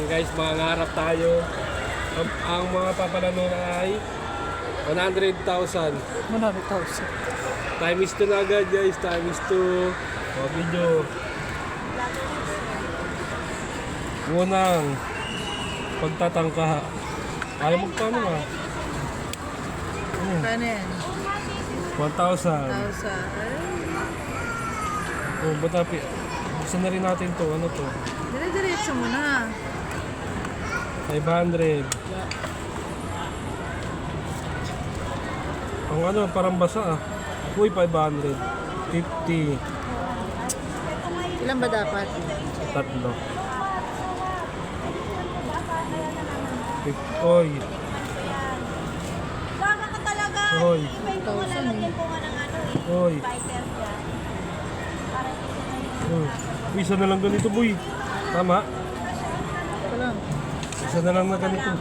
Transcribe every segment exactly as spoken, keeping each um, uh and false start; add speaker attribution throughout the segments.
Speaker 1: guys, mangangarap tayo. Ang, ang mga papalano na ay one hundred thousand.
Speaker 2: one hundred thousand.
Speaker 1: Times two na agad guys, times two. O, video. Unang pagtatangka. Ayaw magpano nga.
Speaker 2: Kano yan?
Speaker 1: one thousand.
Speaker 2: Thousand.
Speaker 1: Oh, batapi. Buksan na rin natin to. Ano to?
Speaker 2: Dire-diretso mo na.
Speaker 1: five hundred. Ang ano, parang basa ah. Uy, five hundred. fifty.
Speaker 2: Ilan ba dapat?
Speaker 1: Tatlo. fifty. Oy.
Speaker 3: Baka ka talaga.
Speaker 1: Oy.
Speaker 3: Iba yung mga lalagyan ko nga ng ano eh.
Speaker 1: Oy.
Speaker 3: Fighter dyan. Para hindi na yung...
Speaker 1: Oh. Uy, isa na lang ganito, boy. Tama?
Speaker 2: Ito lang.
Speaker 1: Isa na lang na ganito.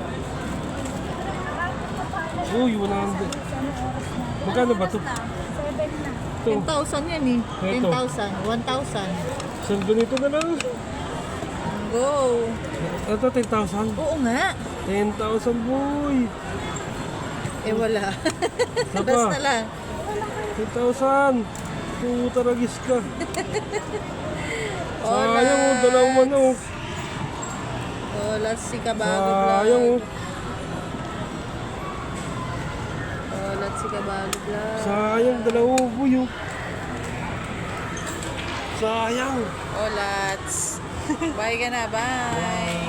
Speaker 1: Uy, one hundred. Magkano ba to?
Speaker 3: Seven na.
Speaker 1: Ito.
Speaker 2: ten thousand yan eh. ten
Speaker 1: Ito.
Speaker 2: thousand. one thousand.
Speaker 1: Isang ganito na lang.
Speaker 2: Go.
Speaker 1: Ito, ten thousand.
Speaker 2: Oo nga.
Speaker 1: ten thousand, boy.
Speaker 2: Eh wala.
Speaker 1: Saba.
Speaker 2: Basta lang.
Speaker 1: ten thousand. Puta ragis ka.
Speaker 2: Hola.
Speaker 1: Sayang oh, dalawang manok.
Speaker 2: Hola si Kabago Vlog.
Speaker 1: Sayang oh.
Speaker 2: Hola si Kabago Vlog.
Speaker 1: Sayang, dalawang boy oh. Sayang.
Speaker 2: Hola. Bye ka na. Bye.